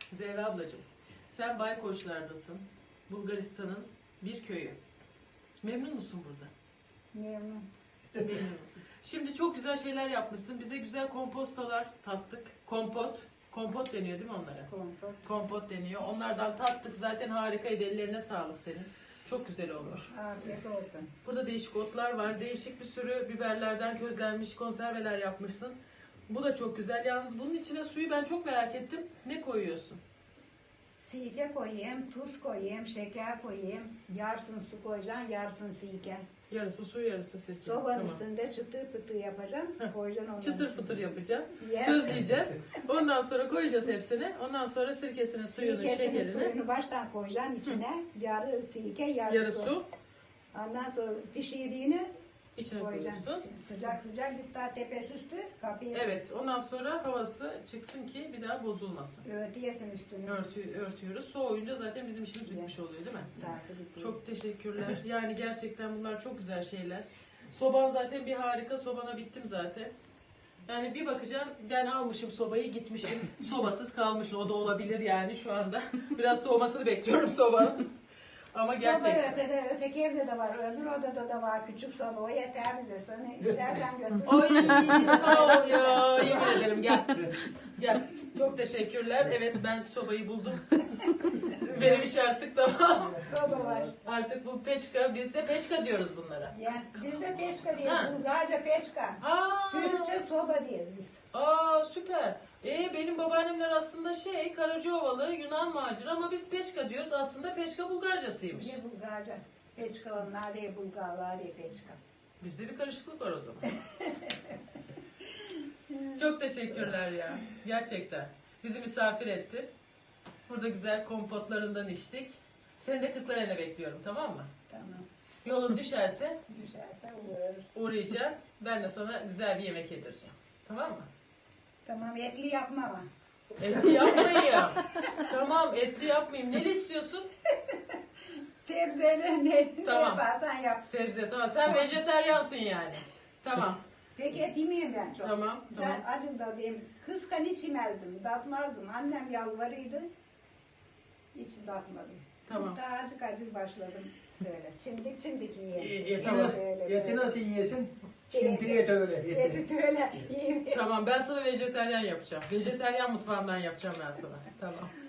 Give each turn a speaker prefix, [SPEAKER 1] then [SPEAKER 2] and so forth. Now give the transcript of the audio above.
[SPEAKER 1] Zehra ablacığım, sen Baykoçlar'dasın. Bulgaristan'ın bir köyü. Memnun musun burada?
[SPEAKER 2] Memnun.
[SPEAKER 1] Memnunum. Şimdi çok güzel şeyler yapmışsın. Bize güzel kompostalar tattık. Kompot. Kompot deniyor değil mi onlara?
[SPEAKER 2] Kompot.
[SPEAKER 1] Kompot deniyor. Onlardan tattık. Zaten harikaydı. Ellerine sağlık senin. Çok güzel olmuş.
[SPEAKER 2] Afiyet olsun.
[SPEAKER 1] Burada değişik otlar var. Değişik bir sürü biberlerden közlenmiş konserveler yapmışsın. Bu da çok güzel. Yalnız bunun içine suyu ben çok merak ettim. Ne koyuyorsun?
[SPEAKER 2] Sirke koyayım, tuz koyayım, şeker koyayım. Yarısını su koyacaksın, yarısını sirke.
[SPEAKER 1] Yarısı su, yarısı sirke.
[SPEAKER 2] Sobanın üstünde çıtır pıtır yapacaksın. Koyacaksın ondan
[SPEAKER 1] Çıtır
[SPEAKER 2] içine.
[SPEAKER 1] pıtır yapacağım.
[SPEAKER 2] Yes.
[SPEAKER 1] Közleyeceğiz. Ondan sonra koyacağız hepsini. Ondan sonra sirkesini, suyunu,
[SPEAKER 2] Sirkesini,
[SPEAKER 1] şekerini.
[SPEAKER 2] suyunu baştan koyacaksın içine. Yarı sirke, yarı,
[SPEAKER 1] Yarı su.
[SPEAKER 2] Ondan sonra pişirdiğini
[SPEAKER 1] İçine
[SPEAKER 2] koyacaksın.
[SPEAKER 1] koyuyorsun.
[SPEAKER 2] Sıcak sıcak bir daha tepesi üstü kapıyı
[SPEAKER 1] Evet. Ondan sonra havası çıksın ki bir daha bozulmasın.
[SPEAKER 2] örtüyesin üstünü.
[SPEAKER 1] Örtüyoruz. Soğuyunca zaten bizim işimiz bitmiş oluyor değil mi?
[SPEAKER 2] Tersi bitiyor.
[SPEAKER 1] Çok teşekkürler. Yani gerçekten bunlar çok güzel şeyler. Soban zaten bir harika. Sobana bittim zaten. Yani bir bakacaksın ben almışım sobayı gitmişim. Sobasız kalmışım. O da olabilir yani şu anda. Biraz soğumasını bekliyorum sobanın. Ama
[SPEAKER 2] Soba
[SPEAKER 1] gerçekten.
[SPEAKER 2] öteki evde de var, öbür odada da var küçük soba. O yeter bize. Sana istersen götür.
[SPEAKER 1] Ay sağ ol ya. Yemin ederim gel. Gel. Çok teşekkürler. Evet ben sobayı buldum. Benim iş artık tamam.
[SPEAKER 2] Soba var.
[SPEAKER 1] Artık bu peçka. Biz de peçka diyoruz bunlara.
[SPEAKER 2] Ya, biz de peçka diyoruz.
[SPEAKER 1] Ha.
[SPEAKER 2] Bulgarca peçka.
[SPEAKER 1] Aa,
[SPEAKER 2] Türkçe soba diyoruz biz.
[SPEAKER 1] süper. Benim babaannemler aslında Karacaovalı Yunan macera ama biz peçka diyoruz. Aslında peçka Bulgarcasıymış.
[SPEAKER 2] Ne Bulgarca? Peçka onlar diye Bulgarlar diye peçka.
[SPEAKER 1] Bizde bir karışıklık var o zaman. Çok teşekkürler ya. Gerçekten. Bizi misafir etti. Burada güzel kompotlarından içtik. Seni de Kırklareli'ne bekliyorum, tamam mı?
[SPEAKER 2] Tamam.
[SPEAKER 1] Yolun düşerse
[SPEAKER 2] Düşerse uğrarız.
[SPEAKER 1] uğrayacağım. Ben de sana güzel bir yemek yedireceğim. Tamam mı?
[SPEAKER 2] Tamam etli yapma ama.
[SPEAKER 1] Etli yapmayayım. Tamam, etli yapmayayım. Ne istiyorsun?
[SPEAKER 2] Sebzeyle ne
[SPEAKER 1] Tamam.
[SPEAKER 2] yaparsan yap.
[SPEAKER 1] Sebze, tamam. Sen vejeteryansın yani. Tamam.
[SPEAKER 2] Peki et yemeyeyim ben çok.
[SPEAKER 1] Tamam, tamam.
[SPEAKER 2] Ben acım da diyeyim. Kıskan hiç yemezdim. Tatmazdım. Annem yalvarıydı. Hiç tatmadım.
[SPEAKER 1] Tamam.
[SPEAKER 2] Daha acık acık başladım. Böyle. Çimdik yiyeyim.
[SPEAKER 3] Eti nasıl, eti nasıl yiyesin? Şimdi et öyle.
[SPEAKER 2] Eti öyle yiyeyim.
[SPEAKER 1] Tamam, ben sana vejeteryan yapacağım. Vejeteryan mutfağından yapacağım ben sana. Tamam.